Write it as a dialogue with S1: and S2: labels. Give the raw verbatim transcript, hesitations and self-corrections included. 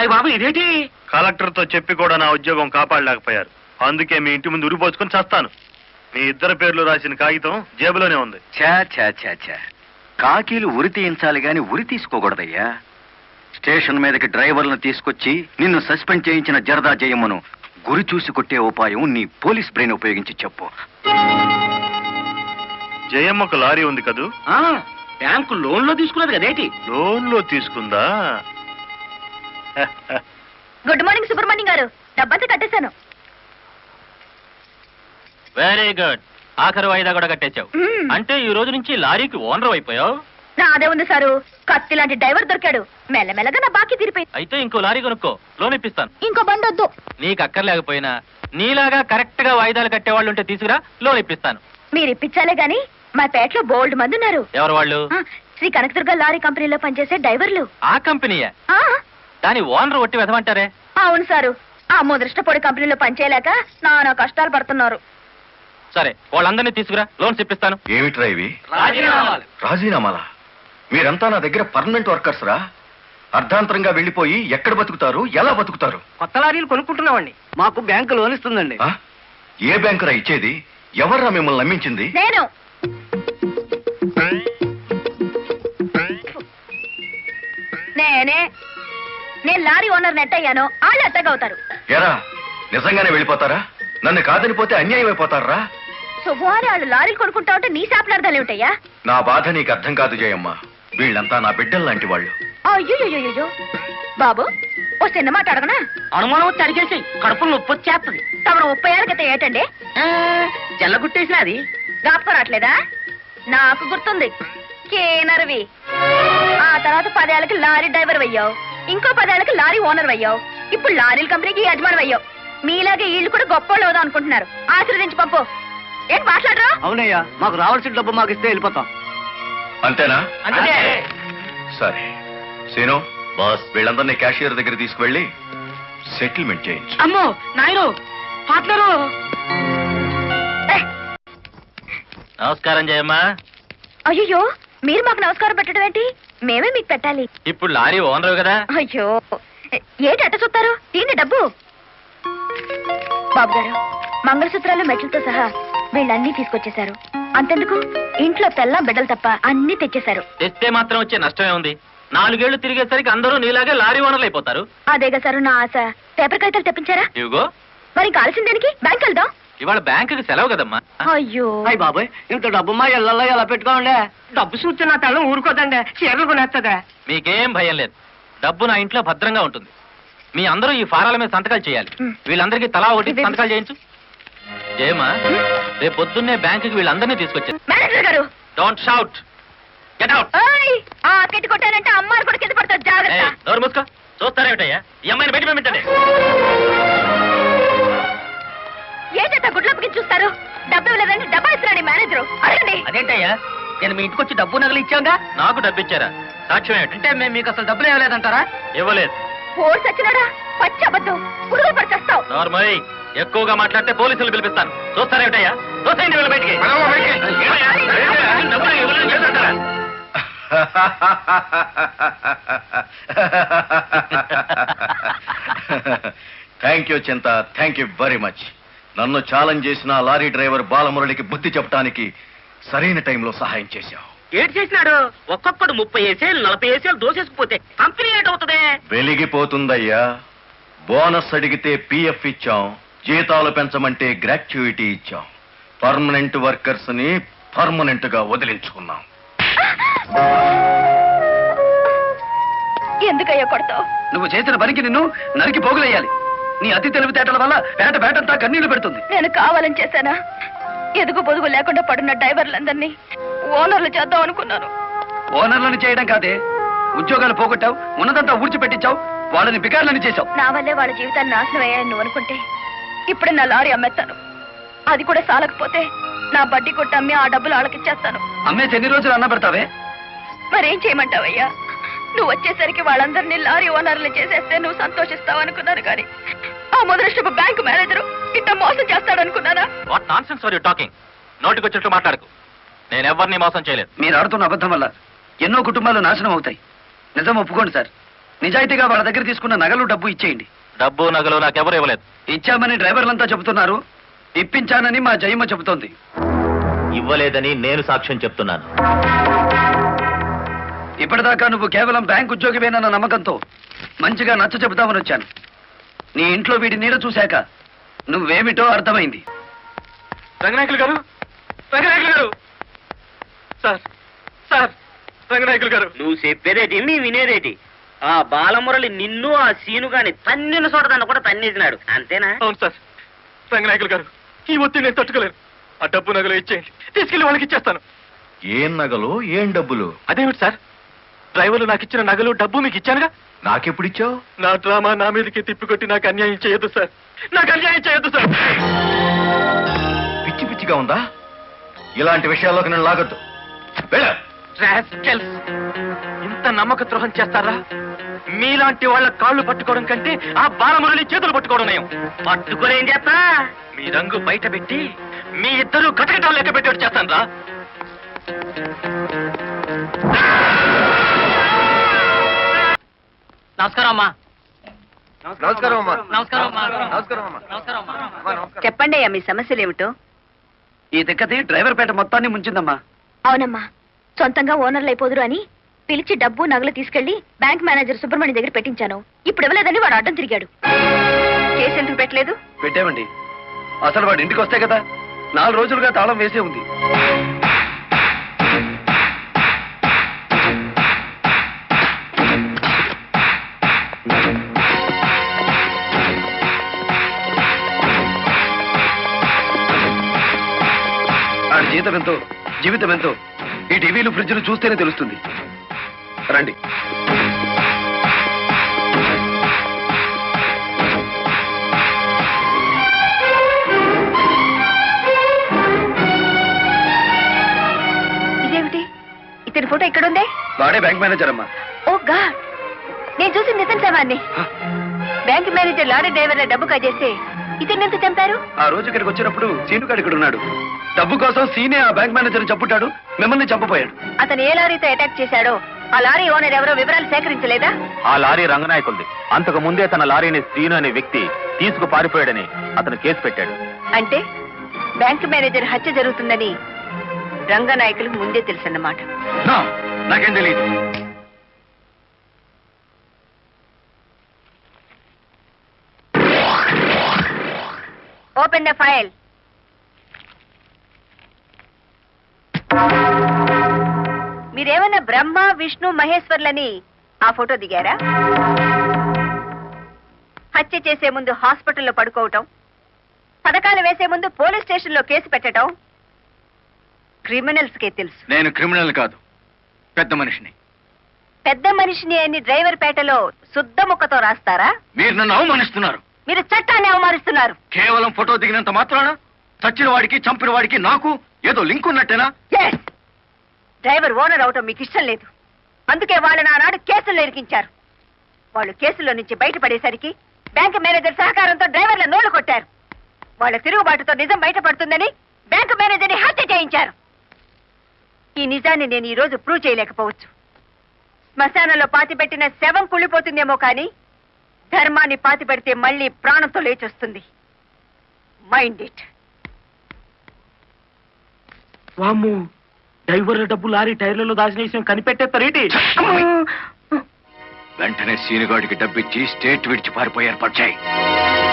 S1: అయ్యి బాబు ఇదేంటి?
S2: కలెక్టర్ తో చెప్పి కూడా నా ఉద్యోగం కాపాడలేకపోయారు. అందుకే మీ ఇంటి ముందు ఉరిపోసుకొని చస్తాను. మీ ఇద్దరు పేర్లు రాసిన కాగితం జేబులోనే ఉంది.
S3: చా చా చా చా కాకీలు ఉరి తీయించాలి గాని ఉరి తీసుకోకూడదయ్యా. స్టేషన్ మీదకి డ్రైవర్లను తీసుకొచ్చి నిన్ను సస్పెండ్ చేయించిన జరదా జయమ్మను గురి చూసి కొట్టే ఉపాయం నీ పోలీస్ బ్రెయిన్ ఉపయోగించి చెప్పు.
S2: జయమ్మకు లారీ ఉంది కదూ?
S1: బ్యాంకు లోన్ లో తీసుకున్నది కదేటి?
S2: లోన్ లో తీసుకుందా?
S4: గుడ్ మార్నింగ్ సుబ్రహ్మణ్యం గారు, డబ్బంతా కట్టేశాను.
S5: Very good. ఆఖరి వాయిదా కూడా కట్టేశావు. అంటే ఈ రోజు నుంచి లారీకి ఓనర్ అయిపోయావు.
S4: నాదే ఉంది సారు, కత్తి లాంటి డ్రైవర్ దొరికాడు. మెల్లమెల్లగా నా బాకీ తీరిపోయింది.
S5: అయితే ఇంకో లారీ కొనుక్కో, లోన్ ఇప్పిస్తాను.
S4: ఇంకో బండి వద్దు.
S5: నీకు అక్కర్లేకపోయినా నీలాగా కరెక్ట్ గా వాయిదాలు కట్టేవాళ్ళు ఉంటే తీసుకురా, లోన్ ఇప్పిస్తాను.
S4: మీరు ఇప్పించాలే గాని మా పేటలో బోల్డ్ మంది ఉన్నారు.
S5: ఎవరు వాళ్ళు?
S4: శ్రీ కనకదుర్గ లారీ కంపెనీలో పనిచేసే డ్రైవర్లు.
S5: ఆ కంపెనీయా? దాని ఓనర్ ఒట్టి వెదమంటారే?
S4: అవును సారు, ఆ ముదృష్టపొడి కంపెనీలో పనిచేయలేక నానా కష్టాలు పడుతున్నారు.
S5: సరే, వాళ్ళందరినీ తీసుకురా, లోన్స్ ఇప్పిస్తాను.
S3: ఏమిట్రా ఇవి? రాజీనామాలా? మీరంతా నా దగ్గర పర్మనెంట్ వర్కర్స్ రా. అర్ధాంతరంగా వెళ్లిపోయి ఎక్కడ బతుకుతారు, ఎలా బతుకుతారు?
S1: కొత్త లారీలు కొనుక్కుంటున్నామండి. మాకు బ్యాంకు లోన్ ఇస్తుందండి.
S3: ఏ బ్యాంకురా ఇచ్చేది? ఎవర్రా మిమ్మల్ని నమ్మించింది?
S4: నేను. నేనే. నేను లారీ ఓనర్ నెట్ అయ్యాను, వాళ్ళు ఎట్టగవుతారు.
S3: ఎరా నిజంగానే వెళ్ళిపోతారా? నన్ను కాదనిపోతే అన్యాయం అయిపోతారా?
S4: శుభవారి వాళ్ళు లారీలు కొనుక్కుంటా ఉంటే నీ శాపలార్థాలు ఏమిటయ్యా?
S3: నా బాధ నీకు అర్థం కాదు జయమ్మ. వీళ్ళంతా నా బిడ్డలు లాంటి వాళ్ళు.
S4: అయ్యో బాబు, ఓ చిన్న మాట అడగనా?
S1: అనుమానం వచ్చి అడిగేసి కడుపులు నొప్పి వచ్చేస్తుంది.
S4: తమరు ముప్పై ఏళ్ళ క్రితం ఏటండి
S1: జల్లగుట్టేసిన అది
S4: జ్ఞాపకం రావట్లేదా? నాకు గుర్తుంది, కేనర్వి. ఆ తర్వాత పదేళ్ళకి లారీ డ్రైవర్ అయ్యావు, ఇంకో పదేళ్ళకి లారీ ఓనర్ అయ్యావు, ఇప్పుడు లారీల కంపెనీకి యజమాని అయ్యావు. మీలాగే వీళ్ళు కూడా గొప్ప అవుదాం అనుకుంటున్నారు. ఆశీర్వదించి పంపు. ఏం మాట్లాడరా?
S1: అవునయ్యా, మాకు రావాల్సిన డబ్బు మాకు ఇస్తే వెళ్ళిపోతాం.
S3: అంతేనా? సరే సీను బాస్, వీళ్ళందరినీ క్యాషియర్ దగ్గర తీసుకువెళ్ళి సెటిల్మెంట్ చేయించు.
S1: అమ్మో నాయను, పార్ట్నరు.
S5: నమస్కారం జయమ్మ.
S4: అయ్యో, మీరు మాకు నమస్కారం పెట్టడం ఏంటి? మేమే మీకు పెట్టాలి.
S5: ఇప్పుడు లారీ ఓనరు కదా.
S4: అయ్యో, ఏంటి అట్ట చూస్తారు? దీన్ని డబ్బు. బాబు గారు, మంగళసూత్రాలు మెట్లతో సహా వీళ్ళన్నీ తీసుకొచ్చేశారు. అంతెందుకు, ఇంట్లో తెల్లం బిడ్డలు తప్ప అన్ని తెచ్చేశారు.
S5: తెస్తే మాత్రం వచ్చే నష్టమే ఉంది. నాలుగేళ్లు తిరిగేసరికి అందరూ నీలాగే లారీ ఓనర్లు అయిపోతారు.
S4: అదేగా సారు నా ఆశ. పేపర్ కాగితాలు తెప్పించారా?
S5: ఇవిగో.
S4: మరి కాల్సిన దానికి బ్యాంక్ వెళ్దాం.
S5: ఇవాళ బ్యాంకుకి సెలవు కదమ్మా.
S4: అయ్యో
S1: అయ్యి బాబాయ్, ఇంత డబ్బు మా ఇళ్లలో ఎలా పెట్టుకోండి? డబ్బు చూస్తే నా తల్లం ఊరుకోదండి, చీరలు కొనేస్తుందా?
S5: మీకేం భయం లేదు, డబ్బు నా ఇంట్లో భద్రంగా ఉంటుంది. మీ అందరూ ఈ ఫారాల మీద సంతకాలు చేయాలి. వీళ్ళందరికీ తలా ఒకటి సంతకాలు చేయించు. జయమా, రేపు పొద్దున్నే బ్యాంకుకి వీళ్ళందరినీ తీసుకొచ్చారు.
S4: మేనేజర్ గారు,
S5: డోంట్ షౌట్, గెట్ అవుట్.
S4: ఆ కెట్టి కొట్టానంటే అమ్మారు కూడా కింద పడతారు, జాగ్రత్త.
S5: నోరు మూసుకో. చూస్తారేమిటయ్యా, ఈ అమ్మాయిని బయట పంపించండి.
S4: ఏంటంటే గుడ్లప్పకి చూస్తారు? డబ్బు ఇవ్వలేదంటే డబ్బా ఇస్తున్నాడు మేనేజరు. అడగండి.
S1: అదేంటయ్యా, నేను మీ ఇంటికి వచ్చి డబ్బు నగలు ఇచ్చాగా?
S5: నాకు డబ్బు ఇచ్చారా? సాక్ష్యం ఏమిటి?
S1: అంటే మేము మీకు అసలు డబ్బులు ఇవ్వలేదంటారా?
S5: ఇవ్వలేదు.
S4: ఓడి సచ్చినాడా? పచ్చి అబద్ధం. పురుగులు పడి చేస్తావు.
S5: నార్మల్, ఎక్కువగా మాట్లాడితే పోలీసులు పిలిపిస్తాను. చూస్తారేమిటయ్యా? చూస్తాయండి వీళ్ళ బయటికి. డబ్బులు ఇవ్వలేదు చేస్తారా?
S3: Thank you Chinta, thank you very much. నన్ను ఛాలెంజ్ చేసిన లారీ డ్రైవర్ బాలమురళికి బుద్ధి చెప్పడానికి సరైన టైంలో సహాయం చేశావు.
S1: ఏడు చేసినాడు? ఒక్కొక్కడు ముప్పై ఏసేలు నలభై ఏసేలు దోసేసుకుపోతే కంపెనీ ఏటవుతుంది?
S3: వెలిగిపోతుందయ్యా. బోనస్ అడిగితే పిఎఫ్ ఇచ్చాం, జీతాలు పెంచమంటే గ్రాట్యుయిటీ ఇచ్చాం. పర్మనెంట్ వర్కర్స్ ని పర్మనెంట్ గా వదిలించుకున్నాం.
S4: ఎందుకయ్యా కొడతావు?
S1: నువ్వు చేసిన పనికి నిన్ను నరికి పోగులేయాలి. నీ అతి తెలివితేటల వల్ల పేట పేటంతా కన్నీళ్లు పెడుతుంది.
S4: నేను కావాలని చేశానా? ఎదుగు పొదుగు లేకుండా పడున్న డ్రైవర్లందరినీ ఓనర్లు చేద్దాం అనుకున్నాను.
S1: ఓనర్లను చేయడం కాదే, ఉద్యోగాలు పోగొట్టావు, ఉన్నదంతా ఊడ్చిపెట్టించావు, వాళ్ళని బికార్లని చేశావు.
S4: నా వల్లే వాళ్ళ జీవితాన్ని నాశనం అయ్యాయని నువ్వు అనుకుంటే ఇప్పుడే నా లారీ అమ్మేస్తాను. అది కూడా సాలకపోతే నా బడ్డీ కొట్టి అమ్మి ఆ డబ్బులు వాళ్ళకిచ్చేస్తాను.
S1: అమ్మేసి ఎన్ని రోజులు అన్న పెడతావే?
S4: మరేం చేయమంటావయ్యా? నువ్వు వచ్చేసరికి వాళ్ళందరినీ లారీ ఓనర్లు చేసేస్తే నువ్వు సంతోషిస్తావు అనుకున్నాను, కానీ ఆ మొదలష్టపు బ్యాంకు మేనేజరు ఇట్ట మోసం చేస్తాడు అనుకున్నానా?
S5: What nonsense are you talking? నోటికి వచ్చినట్టు మాట్లాడకు. నేను ఎవరిని మోసం చేయలేదు.
S1: మీరు ఆడుతున్న అబద్ధం వల్ల ఎన్నో కుటుంబాలు నాశనం అవుతాయి. నిజం ఒప్పుకోండి సార్. నిజాయితీగా వాళ్ళ దగ్గర తీసుకున్న నగలు డబ్బు ఇచ్చేయండి.
S5: డబ్బు నగలు నాకెవరు ఇవ్వలేదు.
S1: ఇచ్చామని డ్రైవర్లంతా చెబుతున్నారు, ఇప్పించానని మా జయమ్మ చెబుతోంది.
S5: ఇవ్వలేదని నేను సాక్ష్యం చెప్తున్నాను.
S1: ఇప్పటిదాకా నువ్వు కేవలం బ్యాంక్ ఉద్యోగివేనన్న నమ్మకంతో మంచిగా నచ్చ చెబుతామని వచ్చాను. నీ ఇంట్లో వీడి నీడ చూశాక నువ్వేమిటో అర్థమైంది.
S5: రంగనాయకులు గారు, రంగనాయకులు గారు, సార్ సార్ రంగనాయకులు గారు.
S6: నువ్వు చెప్పేదేటి మీ వినేదేటి? ఆ బాలమురళి నిన్ను ఆ సీను గాని తన్నిన చోటదాన్ని కూడా తన్నేసినాడు, అంతేనా?
S5: అవును సార్. రంగనాయకులు గారు, ఈ ఒత్తిడి నేను తట్టుకోలేను. ఆ డబ్బు నగలు ఇచ్చేయండి, తీసుకెళ్లి వాళ్ళకి ఇచ్చేస్తాను.
S3: ఏం నగలు ఏం డబ్బులు?
S5: అదేమిటి సార్, డ్రైవర్లు నాకు ఇచ్చిన నగలు డబ్బు మీకు ఇచ్చానుగా.
S3: నాకెప్పుడిచ్చావు?
S5: నా డ్రామా నా మీదకి తిప్పికొట్టి నాకు అన్యాయం చేయొద్దు సార్, నాకు అన్యాయం చేయొద్దు సార్.
S3: పిచ్చి పిచ్చిగా ఉందా? ఇలాంటి విషయాల్లోకి నేను లాగొద్దు. వెళ్ళ.
S5: రాస్కెల్స్! ఇంత నమ్మక ద్రోహం చేస్తారా? మీలాంటి వాళ్ళ కాళ్ళు పట్టుకోవడం కంటే ఆ బాలమురళి చేతులు పట్టుకోవడం నయం.
S6: పట్టుకొని ఏం చేస్తా?
S5: మీ రంగు బయట పెట్టి మీ ఇద్దరు కటకటాలు లెక్క పెట్టేట్టు చేస్తాను రా.
S6: నమస్కారం అమ్మా.
S3: నమస్కారం అమ్మా.
S6: నమస్కారం అమ్మా.
S3: నమస్కారం అమ్మా.
S6: నమస్కారం అమ్మా.
S4: చెప్పండి అయ్యా, మీ సమస్యలు ఏమిటో.
S1: ఈ దిక్కది డ్రైవర్ పేట మొత్తాన్ని ముంచిందమ్మా.
S4: అవునమ్మా, సొంతంగా ఓనర్లు అయిపోదురు అని పిలిచి డబ్బు నగలు తీసుకెళ్లి బ్యాంక్ మేనేజర్ సుబ్రహ్మణ్యం దగ్గర పెట్టించాను. ఇప్పుడు ఇవ్వలేదని వాడు అడ్డం తిరిగాడు. కేసు ఎందుకు పెట్టలేదు?
S1: పెట్టామండి. అసలు వాడు ఇంటికి వస్తే కదా, నాలుగు రోజులుగా తాళం వేసే ఉంది. ఆడి జీతం ఎంతో, జీవితం ఎంతో ఈ టీవీలు ఫ్రిడ్జ్లు చూస్తేనే తెలుస్తుంది. రండి.
S4: ఇదేమిటి, ఇతని ఫోటో ఇక్కడ ఉందే?
S1: వాడే బ్యాంక్ మేనేజర్ అమ్మా.
S4: ఓ గాడ్, నేను చూసి నిజం సామాన్ని. బ్యాంక్ మేనేజర్ లారీ డ్రైవర్ల డబ్బు కాజేస్తే ఇతన్ని ఎంత చంపారు?
S1: ఆ రోజు ఇక్కడికి వచ్చినప్పుడు సీనుగాడు ఇక్కడ ఉన్నాడు. డబ్బు కోసం సీనే ఆ బ్యాంక్ మేనేజర్ చంపుతాడు, మిమ్మల్ని చంపపోయాడు.
S4: అతను ఏ లారీతో అటాక్ చేశాడో ఆ లారీ ఓనర్ ఎవరో వివరాలు సేకరించలేదా?
S5: ఆ లారీ రంగనాయకుల్ది. అంతకు ముందే తన లారీని శ్రీను అనే వ్యక్తి తీసుకు పారిపోయాడని అతను కేసు పెట్టాడు.
S4: అంటే బ్యాంక్ మేనేజర్ హత్య జరుగుతుందని రంగనాయకులకు ముందే తెలుసన్నమాట.
S3: నా, నాకేం తెలియదు.
S4: Open the file. మీరేమన్నా బ్రహ్మ విష్ణు మహేశ్వర్లని ఆ ఫోటో దిగారా? హత్య చేసే ముందు హాస్పిటల్లో పడుకోవటం, పథకాలు వేసే ముందు పోలీస్ స్టేషన్లో కేసు పెట్టడం క్రిమినల్స్ కే తెలుసు.
S3: నేను క్రిమినల్ కాదు, పెద్ద మనిషిని.
S4: పెద్ద మనిషిని అని డ్రైవర్ పేటలో శుద్ధ ముక్కతో రాస్తారా?
S3: మీరు నన్ను అవమానిస్తున్నారు.
S4: మీరు చట్టాన్ని అవమానిస్తున్నారు.
S3: కేవలం ఫోటో దిగినంత మాత్రాన చచ్చిన వాడికి చంపిన వాడికి నాకు ఏదో లింక్ ఉన్నట్టేనా?
S4: Yes! డ్రైవర్ ఓనర్ అవటం మీకు ఇష్టం లేదు, అందుకే వాళ్ళని ఆనాడు కేసుల్లో ఇరికించారు. వాళ్ళు కేసులో నుంచి బయటపడేసరికి బ్యాంక్ మేనేజర్ సహకారంతో డ్రైవర్ల నోళ్లు కొట్టారు. వాళ్ళ తిరుగుబాటుతో నిజం బయటపడుతుందని బ్యాంక్ మేనేజర్ని హత్య చేయించారు. ఈ నిజాన్ని నేను ఈ రోజు ప్రూవ్ చేయలేకపోవచ్చు. శ్మశానంలో పాతిపెట్టిన శవం కుళ్ళిపోతుందేమో కానీ ధర్మాన్ని పాతి పెడితే మళ్ళీ ప్రాణంతో లేచొస్తుంది. Mind it.
S5: వామ్ము, డ్రైవర్ల డబ్బు లారీ టైర్లలో దాచిన విషయం కనిపెట్టేస్తారేంటి?
S3: వెంటనే సీనుగాడికి డబ్బిచ్చి స్టేట్ విడిచి పారిపోయి ఏర్పాటు చేయి.